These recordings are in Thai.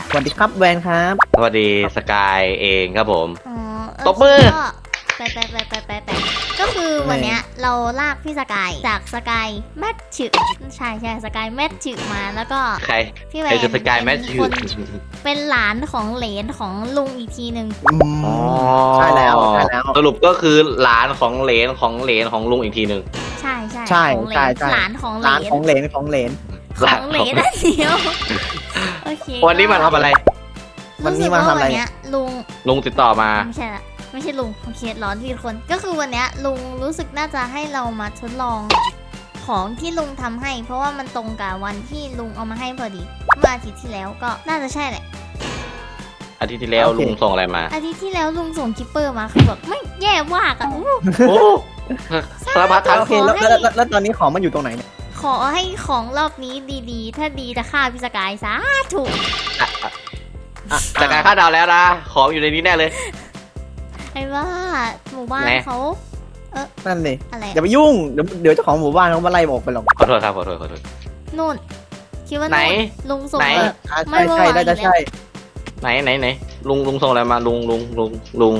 สวัสดีครับแวนครับสวัสดีสกายเองครับผมอ๋อตบมือก็ไปก็คือวันเนี้ยเราลากพี่สกายจากสกายแมทช์ใช่สกายแมทช์มาแล้วก็ใครพี่แวใครนคือสกายแมทเป็นชิคน เป็นหลานของเหลนของลุงอีกทีหนึ่งอ๋อใช่แล้วใช่แล้วสรุปก็คือหลานของเหลนของเหลนของลุงอีกทีหนึ่งใช่ใช่ของเหลใช่นใช่หลานของเหลร้านนของเหลนของเหลนของเหลนอันเดียวโอเควันนี้มาทำอะไรวันนี้มาทำอะไรสึกว่วันเนี้ยลุงลุงติดต่อมาไม่ใช่ลุงโอเคร้อนพี่คน ก็คือวันเนี้ยลุงรู้สึกน่าจะให้เรามาทดลองของที่ลุงทำให้ เพราะว่ามันตรงกับวันที่ลุงเอามาให้พอดีเมื่ออาทิตย์ที่แล้วก็น่าจะใช่แหละอาทิตย์ที่แล้วลุงส่งอะไรมาอาทิตย์ที่แล้วลุงส่งคิปเปอร์มาคือแบบไม่แย่มากอะอู้โอ้สารพัดทั้งโอเคแล้วตอนนี้ของมันอยู่ตรงไหนเนี่ยขอให้ของรอบนี้ดีๆ ถ้าดีจะฆ่าพี่สกายซะถูกสกายคาดเดาแล้วนะ ของอยู่ในนี้แน่เลยไอ้ว่าหมู่บ้านไหนเขานั่นเลยอะไรอย่าไปยุ่งเดี๋ยวเจ้าของหมู่บ้านเขามาไล่บอกไปหรอกขอโทษครับขอโทษนู่นคิดว่าไหนนู่นลุงส่งไหนมา ไม่ใช่เมื่อวานใช่ได้จะใช่ไหนลุงส่งอะไรมาลุงลุงลุง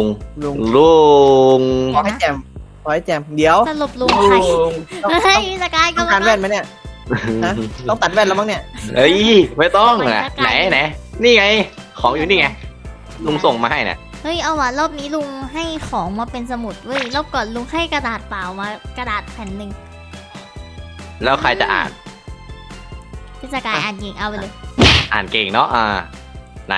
ขอให้แจมขอให้แจมเดี๋ยวสรุปลุงใครต้องเฮ้ยพี่สกายต้องการแว่นไหมเนี่ยฮะต้องตัดแว่นแล้วมั้งเนี่ยเอ้ยไม่ต้องนะไหนนี่ไง ของอยู่นี่ไงลุงส่งมาให้น่ะเฮ้ยเอาว่ะรอบนี้ลุงให้ของมาเป็นสมุดเว้ยรอบก่อนลุงให้กระดาษเปล่ามากระดาษแผ่นหนึ่งแล้วใครจะอ่านพี่สกายอ่านเองเอาไปเลยอ่านเก่งเนาะไหน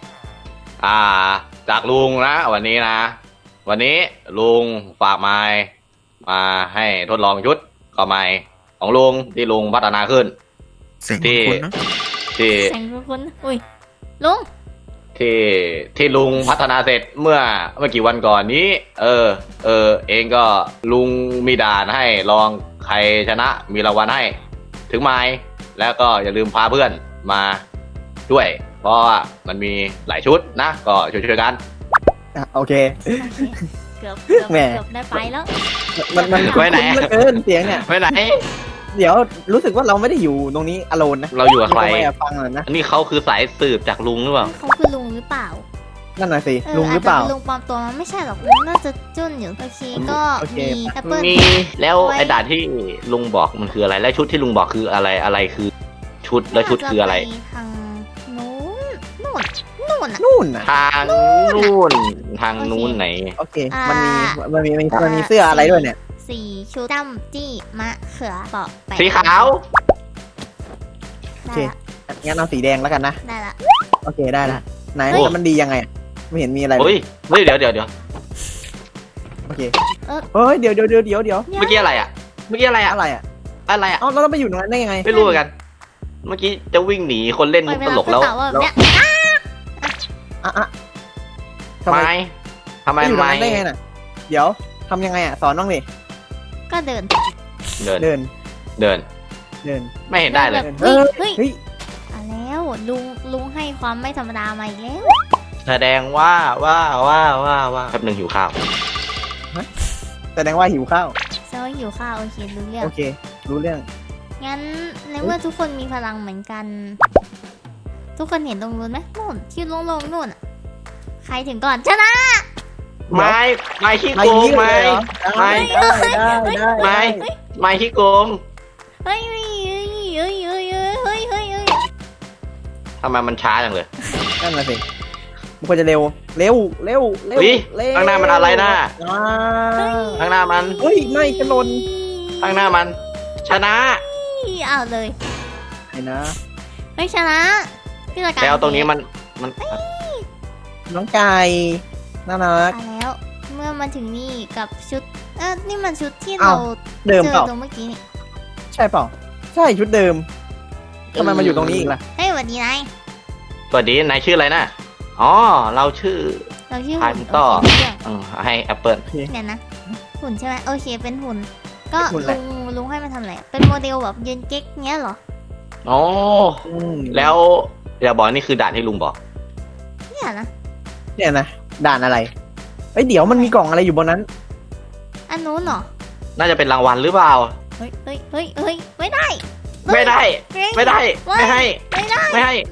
จากลุงนะวันนี้นะ วันนี้ลุงฝากไม้มาให้ทดลองชุดก็ไม้ของลุงที่ลุงพัฒนาขึ้นเสียงที่คุ้นๆนะที่แสงคุณอุ้ยลุงที่ลุงพัฒนาเสร็จเมื่อกี่วันก่อนนี้ เองก็ลุงมีด่านให้ลองใครชนะมีรางวัลให้ ถึงไม้แล้วก็อย่าลืมพาเพื่อนมาด้วย เพราะว่ามันมีหลายชุดนะ ก็ช่วยๆกันอ่ะโอเคเกือบแหมได้ไปแล้วมันไว้ไหนคุ้นเหลือเกินเสียงเนี่ยไปไหนเดี๋ยวรู้สึกว่าเราไม่ได้อยู่ตรงนี้อโลนนะเราอยู่กับใครมีนมาแอบฟังเลยนะอันนี้เขาคือสายสืบจากลุงหรือเปล่าเขาคือลุงหรือเปล่านั่นน่ะสิลุงหรือเปล่าจจะเป็นลุงปลอมตัวมาไม่ใช่หรอกลุงน่าจะจุนอยู่โอเคก็โอเคมีแอปเปิลมีแล้วไว้ไอ้ด่านที่ลุงบอกมันคืออะไร และชุดที่ลุงบอกคืออะไรคือชุดและชุดคืออะไรน่าจปทางนู้นนู่นอ่ะนู่นน่ะทางนู่นทางนู้นไหนโอเคอ่ามันมีเสื้ออะไรด้วยเนี่ยสี่ชุดจำจี้มะเขือเปาะแปะสีขาวโอได้เคละงั้นเอาสีแดงแล้วกันนะได้ละโอเคได้ละไหนโอ้แล้วมันดียังไงอะไม่เห็นมีอะไรเลเฮ้ยยเดี๋ยวโอเคเฮ้ยเดี๋ยวเมื่อกี้อะไรอ่ะเมื่อกี้อะไรอ่ะอะไรอ่ะอะไรอ่ะเอ้าแล้วเราไปอยู่ตรงนั้นได้ยังไงไม่รู้เหมือนกัน เมื่อกี้จะวิ่งหนีคนเล่นปล่มุอยกเวตลาลกขึ้นแล้วเต่าว่าแบบแล้วเนี้ยอ่ะทำไมทำไมไปอยู่ตรงไม้นั้นได้ไงน่ะเดี๋ยวทำยังไงอ่ะสอนน้องดิก็เดินเดินเดินเดินเดินไม่เห็นได้เลยแบบเฮ้เฮ้ยยเฮ้ยมาแล้วลุงให้ความไม่ธรรมดามาอีกแล้วแสดงว่าแป๊บหนึงหิวข้าวแสดงว่าหิวข้าวเซลหิวข้าวโอเครู้เรื่องโอเค รู้เรื่องงั้นในเมื่อทุกคนมีพลังเหมือนกัน ทุกคนเห็นตรงนู้นไหมนู่นที่โล่งๆนู่นอะใครถึงก่อนชนะไม้ขี้ไม่โกงยิ้มไม้เลยเหรอไม่ได้ไม้ขี้โกงเฮ้ยเฮ้ยเฮ้ยเฮ้ยเฮ้ยเฮ้ยเฮ้ยเฮ้ยทำไมมันช้าจังเลยนั่นน่ะสิมันควรจะเร็วเร็วอุ๊ยข้างหน้ามันอะไรน่ะอ่าข้างหน้ามันเฮ้ยไม่จะหล่นข้างหน้ามัน ชนะเอาเลยไอ้นะเฮ้ยชนะพี่ละกันแล้วตรงนี้มันน้องไก่น่ารักมาแล้ว เมื่อมาถึงนี่กับชุดนี่มันชุดที่อ้าเราว เดิมเจเปล่าอตรงเมื่อกี้นี่ใช่เปล่าใช่ชุดเดิมทำไมมาอยู่ตรงนี้อีกล่ะเฮ้ยสวัสดีนายสวัสดีนายชื่ออะไรนะอ๋อ เราชื่อเราชื่อถ่ายหุ่นต่อโอเคเรื่องให้แอปเปิลเนี่ยนะหุ่นใช่ไหมโอเคเป็นหุ่น ก็หุ่นอะไรลุงให้มาทำอะไรเป็นโมเดลแบบยืนเก๊กเงี้ยเหรออ๋ออืมแล้วอย่าบอกนี่คือด่านที่ลุงบอกเนี่ยนะเนี่ยนะด่านอะไรเอ้ยเดี๋ยวมันมีกล่องอะไรอยู่บนนั้นอันนู้นเหรอน่าจะเป็นรางวัลหรือเปล่าเฮ้ยไม่ได้ไม่ได้เฮ้ยไม่ได้ไม่ไม่ให้ไม่ได้ไม่ให้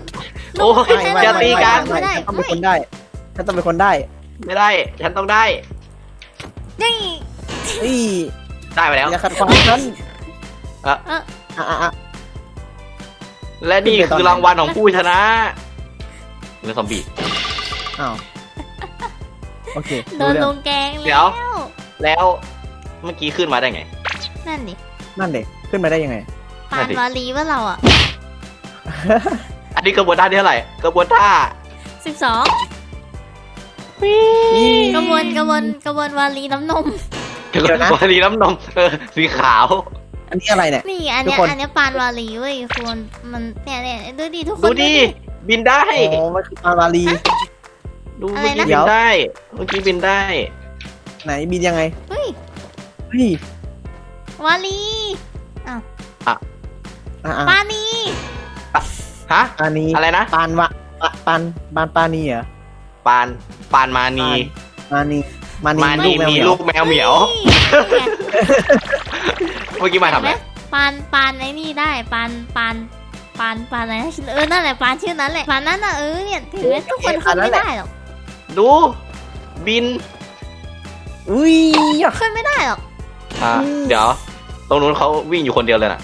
โอ้ยไม่อย่าตีกันไม่ได้ฉันต้องเป็นคนได้ฉันต้องเป็นคนได้ไม่ได้ ฉันต้องได้นี่นี่ได้ไปแล้วอย่าขัดขวางฉันเอออ่ะและนี่คือรางวัลของผู้ชนะเรื่องซอมบี้อ้าวโอเคโดรู้นเรื่ลองงแกงเดี๋แล้ยววแล้วเมื่อกี้ขึ้นมาได้ไงนั่นดินั่นเด็กขึ้นมาได้ยังไงปานวาลีว่าเราอ่ะอันนี้กระบวนท่าที่เท่าไหร่กระบวนท่า 12 นี่กระบวนวาลีน้ำนมกระบวนรีน้ำนมสีขาวอันนี้อะไรเนี่ยนี่อันเนี้ยทุกคนอันเนี้ยปานวาลีเว้ยคุณมันเนี่ยดูดิทุกคนดูดิบินได้โอ้มันคือปลาวาลีดูอะไรเมื่อนะกี้บินได้เมื่อกี้บินได้ไหนบินยังไงเฮ้ยเฮ้ยวาลีอ่ะปานีฮะปานีอะไรนะปานวะปานีเหรอปานมานีมานีมาลูนีกแมวมีเหมียวลูกแมวเหมียวฮ้ยเมื่อกี้มาทำอะไรปานไอ้นี่ได้ปานอะไรนะนั่นแหละปานชื่อนั้นแหละปานนั้นน่ะเนี่ยถึงแม้ทุกคนขึ้นไม่ได้หรอกดูบินอุ้ยขึ้นไม่ได้หรอกเดี๋ยว ตรงนู้นเขาวิ่งอยู่คนเดียวเลยน่ะ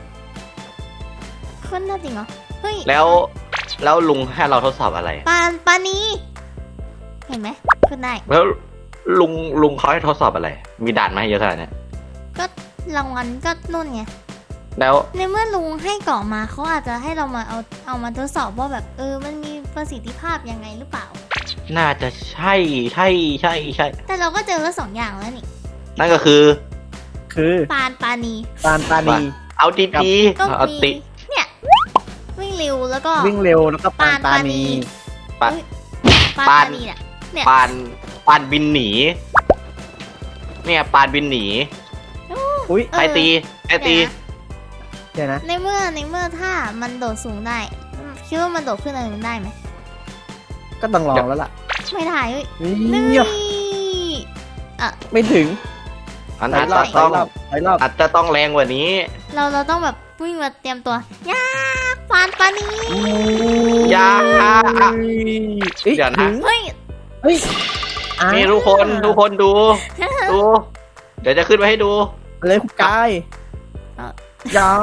ขึ้นได้จริงเหรอเฮ้ยแล้วลุงให้เราทดสอบอะไรปานีเห็นไหมขึ้นได้แล้วลุงเขาให้ทดสอบอะไร มีด่านมาให้เยอะขนาดเนี้ยก็รางวัลก็นู่นไงแล้วในเมื่อลุงให้เกาะมาเขาอาจจะให้เรามาเอามาทดสอบว่าแบบมันมีประสิทธิภาพยังไงหรือเปล่าน่าจะใช่แต่เราก็เจอแล้ว2 อย่างแล้วนี่นั่นก็คือคือปานีปานีเอาดีก็ๆเอามีติเนี่ยวิ่งเร็วแล้วก็วิ่งเร็วแล้วก็ปานปานีปานปานีเนี่ยปานบินหนี เนี่ยปานบินหนีอุ้ยใครตีใครตีเดี๋ยวนะในเมื่อถ้ามันโดดสูงได้คิดว่ามันโดดขึ้นอะไรมันได้ไหมก็ต้องลองแล้วล่ะไม่ได้เฮ้ยนี่นี่ไม่ถึงอันถออาย จรอจะบถต้ออย งรอบถอยรอบอาจจะต้องแรงกว่านี้เราต้องแบบวิ่งมาเตรียมตัวย่าปานีอย่าเอ้ยเดี๋ยวนะถึงเฮ้ยเฮ้ยอ่านี่ทุกคนดู เดี๋ยวจะขึ้นไปให้ดูเลยคุณกายอ่ะอย่า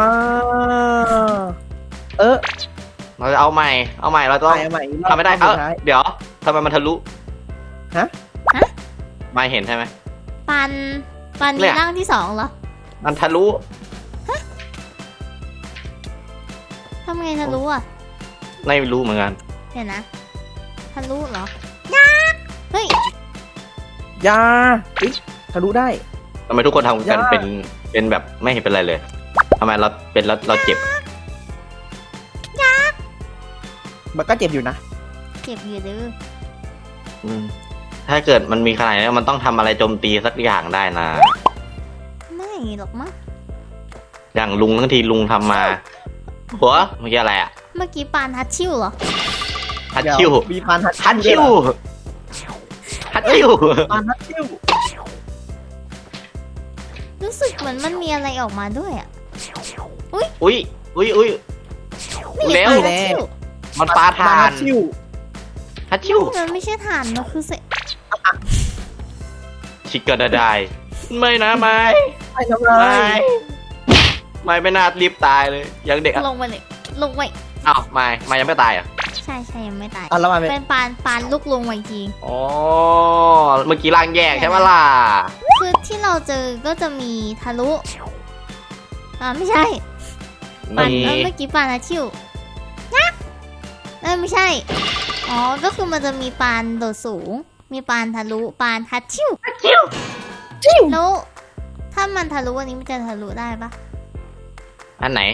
เราจะเอาใหม่เราต้องใหม่ทำไม่ได้รอบสุท้ายเดี๋ยวทำไมมันทะลุฮะไม่เห็นใช่ไหมปาเนี่นียร่างที่2เหรอมันทะลุทำไงทะลุอ่ะไม่รู้เหมือนกันเดี๋ยวนะทะลุเหรอเฮ้ยอย่าเฮ้ยทะลุได้ทำไมทุกคนทำกันยากเป็นแบบไม่เห็นเป็นไรเลยทำไมเราเป็นแล้วเราเจ็บมันก็เจ็บอยู่นะเก็บอยู่ดื้ออืมถ้าเกิดมันมีขนาดนี้มันต้องทำอะไรโจมตีสักอย่างได้นะไม่หรอกมั้งอย่างลุงทั้งทีลุงทำมาหัวเมื่อกี้อะไรอะเมื่อกี้ปานฮัตชิวเหรอฮัตชิวเดี๋ยมีปานฮัตฮัตชิวด้วยเหรอฮัตชิวปานฮัตชิวรู้สึกเหมือนมันมีอะไรออกมาด้วยอ่ะอุ้ยนี่เร็วปานฮัตชิวมันปลาทาปานฮันตชิวฮัตชิวมันไม่ใช่ถ่านมันคือเศษชิคกระไดไม่นะไม่ไม่ทำไรไม่น่ารีบตายเลยยังเด็กอ่ะลงไปเลยลงไปอ้าวไม่ยังไม่ตายอ่ะใช่ยังไม่ตายอ่ะแล้วมันเป็นเป็นปานลูกลงไว้จริงอ๋อเมื่อกี้ร่างแยกใช่ไหมล่ะคือที่เราเจอก็จะมีทะลุไม่ใช่ปานนี่เมื่อกี้ปานฮัตชิวยักษ์ไม่ใช่อ๋อก็คือมันจะมีปานโดดสูง มีปานทะลุปานฮัตชิวแล้วถ้ามันทะลุอันนี้มันจะทะลุได้ปะอันไหน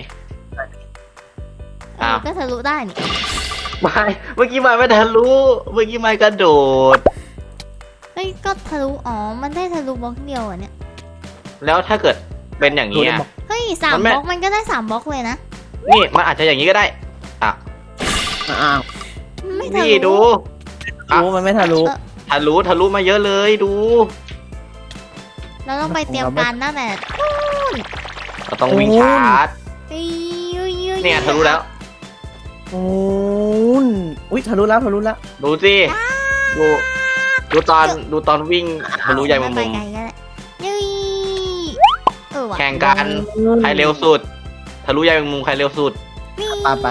อ้าวก็ทะลุได้นี่ไม่เมื่อกี้ไม่ทะลุเมื่อกี้ไม่กระโดดเฮ้ยก็ทะลุมันได้ทะลุบล็อกเดียวอ่ะเนี่ยแล้วถ้าเกิดเป็นอย่างนี้อ่ะเฮ้ย3 มันไม่บล็อกมันก็ได้3บล็อกเลยนะนี่มันอาจจะอย่างนี้ก็ได้อ่ะอ้าวไม่ทะนี่ลุดูรู้มันไม่ทะลุทะลุมาเยอะเลยดูเราต้องไปเตรียมการตั้งแต่เราต้องวิ่งชาร์จเอ้ยเนี่ยทะลุแล้วนอุ้ยทะลุแล้วทะลุแล้วดูสิดูดูตอนวิ่งทะลุใยแมงไปมุมไกลก็ได้ยุยว่ะแข่งกันใครเร็วสุดทะลุใยแมงมุมใครเร็วสุดนี่ไป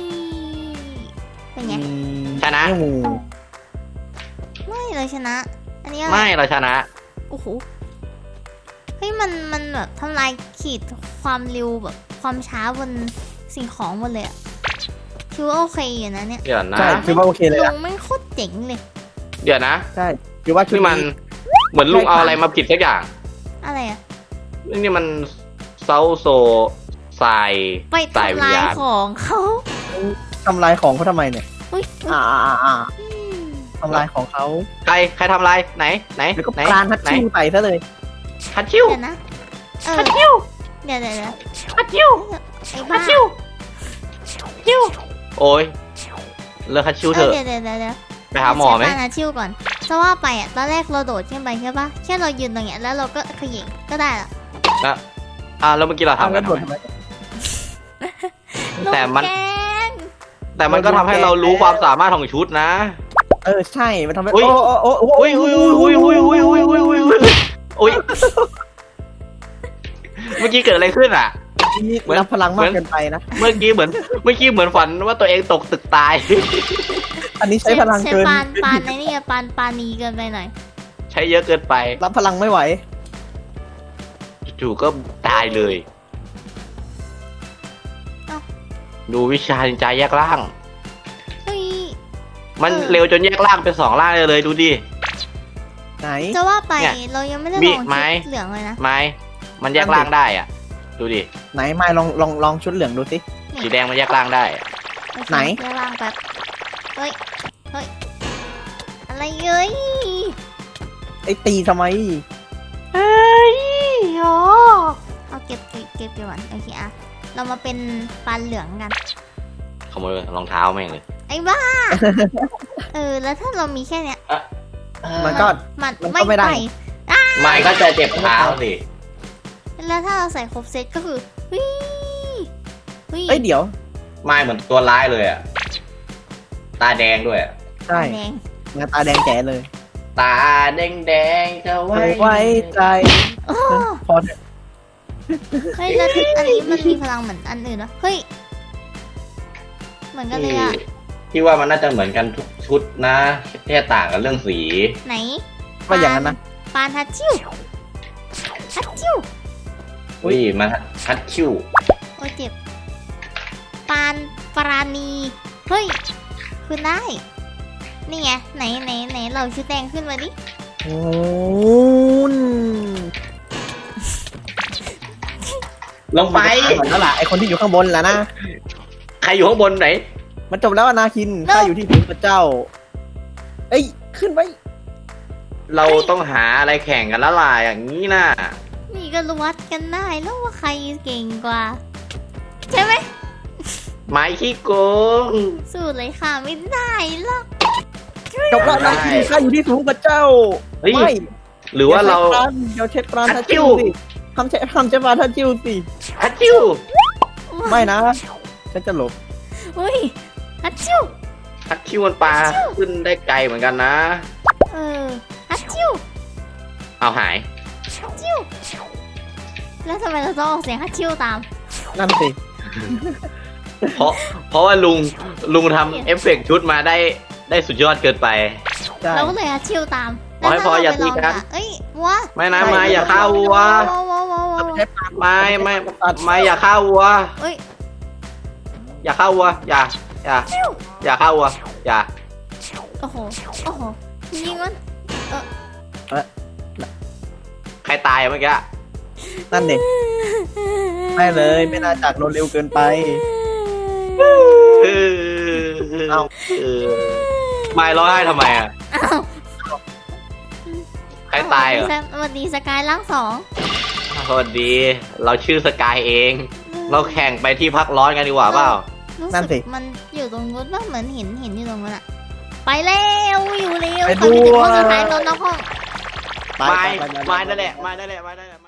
เป็นไงชนะงูไม่เลยชนะ อันนี้อะไรไม่เราชนะโอ้โหเฮ้ยมันแบบทำลายขีดความเร็วแบบความช้าบนสิ่งของหมดเลยอะถือว่าโอเคอยู่นะเนี่ยเดี๋ยวนะใช่คิดว่าโอเคเลยลุอะงไม่งโคตรเจ๋งเลยเดี๋ยวนะใช่คิดว่าชุดนี่มันนี้เหมือนลุงเอาอะไรมาผิดสักอย่างอะไรอะนี่มันเซาโซทรายไปทรายวิทำญลายญาณของเขาทำลายของเขาทำไมเนี่ยอุ้ยอ่าอืมทำลายของเขาใครทำอะไรไหนแล้วก็ไหนปราณฮัตไหนชิวใส่ซะเลยฮัตชิวเดี๋ยวนะเออฮัตชิวเดี๋ยวฮัตชิวไอ้ฮับ้าตชิวชิวโอ้ยเลิกฮัตชิวเถอะเดี๋ยวไปหาหมอไหมใช้ปานาชิวก่อนจะว่าไปอ่ะตอนแรกเราโดดขึ้นไปใช่ปะแค่เรายืนตรงเนี้ยแล้วเราก็เขย่งก็ได้ละแล้วแล้วเมื่อกี้เราทำกันเอาทำแล้วไมโดดทำไมแต่มันลูกแกงแต่มันก็ทำให้เรารู้ความสามารถของชุดนะใช่มันทำให้อุ๊ยโอ้อุ้ยเมื่อกี้เกิดอะไรขึ้นอ่ะนี่เหมือนรับพลังมากเกินไปนะเมื่อกี้เหมือนฝันว่าตัวเองตกตึกตายอันนี้ใช้พลังใช้เกินปานในนี่ปานนีเกินไปหน่อยใช้เยอะเกินไปรับพลังไม่ไหวจู่ๆก็ตายเลย ดูวิชานินจาแยกร่างเฮ้ยมันเร็วจนแยกร่างเป็น2ร่างเลยดูดิไหนจะว่าไปเนี่ยเรายังไม่ได้มีลองไม้ชุดเหลืองเลยนะไม้มันแยกร่างได้อ่ะ ดูดิไหนไม่ลองชุดเหลืองดูสิสีแดงมันแยกร่างได้อะโอเคไหนเดี๋ยวล่างแป๊บเฮ้ยอะไรเอ้ยไอ้ตีทำไมเฮ้ยโอ้เอาเก็บก่อนโอเคอะเรามาเป็นปานเหลืองกันขโมยรองเท้าแม่งเลยไอ้บ้า แล้วถ้าเรามีแค่เนี้ยมันก็มันมันก็ไม่ได้ไปไม่ก็จะเจ็บเท้าสิแล้วถ้าเราใส่ครบเซตก็คือเฮ้ยเอ้ยเดี๋ยวไม่เหมือนตัวร้ายเลยอ่ะ ตาแดงด้วยอะใช่แดงงาตาแดงแจ๋เลยตาแดงจะไว้ไว้ใจโอ้พอเถอะเฮ้ยแล้วอันนี้มันมีพลังเหมือนอันอื่นนะเฮ้ยเหมือนกันเลยอะที่ว่ามันน่าจะเหมือนกันทุกชุดนะแค่ต่างกันเรื่องสีไหนว่าอย่างนั้นนะปานฮัตชิวฮัตชิวอุ้ยมันฮัตชิวโอ้ยเจ็บปานปราณีเฮ้ยขึ้นได้ นี่ไงไหนเราชุดแดงขึ้นมาดิโอ้นลงไปเหมือนแล้วล่ะไอคนที่อยู่ข้างบนแหละนะใครอยู่ข้างบนไหนมันจบแล้วอะนาคินข้าอยู่ที่ถึงพระเจ้า เอ้ยขึ้นไปเราต้องหาอะไรแข่งกันแล้วล่ะอย่างนี้นะนี่ก็รู้วัดกันได้แล้วว่าใครเก่งกว่า ใช่ไหมไม้ขี้โกงสู้เลยค่ะไม่ได้หรอกจบแล้วนาคินข้าอยู่ที่สูงพระเจ้าเฮ้ยไม่หรือว่าเราเดี๋ยวเช็ดปรานฮัทัตชชิชิววสิทำใช้ปรานทัชชิวสิฮัตชิวไม่นะฉันจะหลบอุ้ยฮัตชิวฮัตชิวมันปลาขึ้นได้ไกลเหมือนกันนะฮัตชิวเอาหายฮัตชิวแล้วทำไมเราต้องออกเสียงฮัตชิวตามนั่นสิเพราะว่าลุงทำเอฟเฟกต์ชุดมาได้สุดยอดเกินไปใช่เราก็เลยฮัตชิวตามขอให้พออย่าตีกันเอ้ยวัวไม่นะไม่อย่าฆ่าวัวใช้ปรานไม่อย่าฆ่าวัวเอ้ยอย่าฆ่าวัวอย่าฆ่าวัวอย่าโอ้โหยิงมันใครตายเมื่อกี้นั่นเด็ไม่เลยไม่น่าจากโดนเร็วเกินไป เอาไม่ร้องไห้ทำไมอ่ะอ้าวใครตายเหรอสวัสดีสกายล่างสองสวัสดี เราชื่อสกายเอง เราแข่งไปที่พักร้อนกันดีกว่าเปล่ารู้นั่นสิสึกมันอยู่ตรงนู้นว่าเหมือนเห็นอยู่ตรงนั้นอะไปแล้วอยู่เร็วไปตอนนี้ถึงดูห้องสุดท้ายตอนนอกห้องไปไม่ไปไปไปไม่นั่นแหละไม่นั่นแหละไม่นั่นแหละ